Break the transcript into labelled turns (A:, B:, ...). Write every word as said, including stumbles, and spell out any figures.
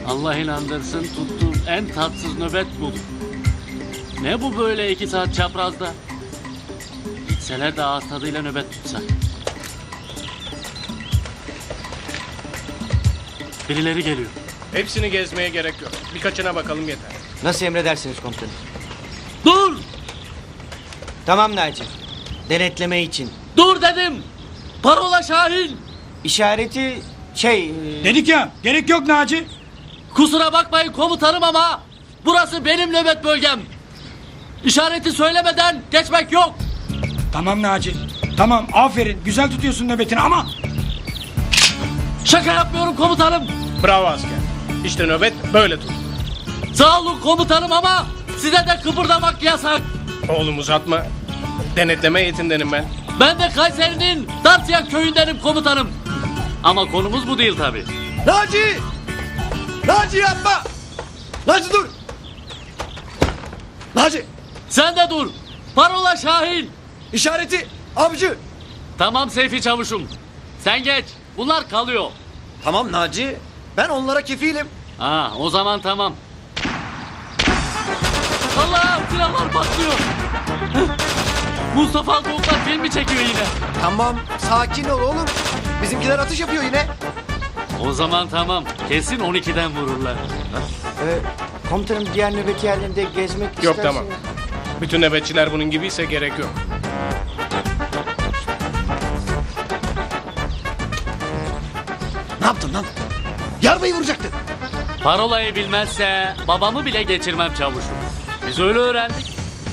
A: Allah inandırsın tuttuğum en tatsız nöbet bu. Ne bu böyle iki saat çaprazda? Gitseler de ağız tadıyla nöbet tutsak. Birileri geliyor.
B: Hepsini gezmeye gerek yok. Birkaçına bakalım yeter.
C: Nasıl emredersiniz komutanım?
A: Dur!
C: Tamam Naci. Denetleme için.
A: Dur dedim! Parola Şahin!
C: İşareti şey... e,
D: Dedik ya, gerek yok Naci.
A: Kusura bakmayın komutanım ama burası benim nöbet bölgem. İşareti söylemeden geçmek yok.
D: Tamam Naci. Tamam, aferin. Güzel tutuyorsun nöbetini ama...
A: Şaka yapmıyorum komutanım.
B: Bravo asker. İşte nöbet böyle tut.
A: Sağ olun komutanım ama size de kıpırdamak yasak.
B: Oğlum uzatma. Denetleme heyetindenim ben.
A: Ben de Kayseri'nin Dartya köyündenim komutanım. Ama konumuz bu değil tabii.
E: Naci! Naci yapma! Naci dur! Naci!
A: Sen de dur. Parola Şahin.
E: İşareti avcı!
A: Tamam Seyfi Çavuş'um. Sen geç. Bunlar kalıyor.
E: Tamam Naci. Ben onlara kefilim.
A: Ha, o zaman tamam. Allah, silahlar patlıyor. Mustafa Altıoklar filmi çekiyor yine.
E: Tamam sakin ol oğlum. Bizimkiler atış yapıyor yine.
A: O zaman tamam. Kesin on ikiden vururlar.
C: e, komutanım diğer nöbet yerlerinde gezmek
B: Yok
C: isterseniz-
B: tamam. Bütün nöbetçiler bunun gibiyse gerek yok.
E: Ne yaptın lan? Yarmayı vuracaktın.
A: Parolayı bilmezse babamı bile geçirmem çavuşum. Biz öyle öğrendik.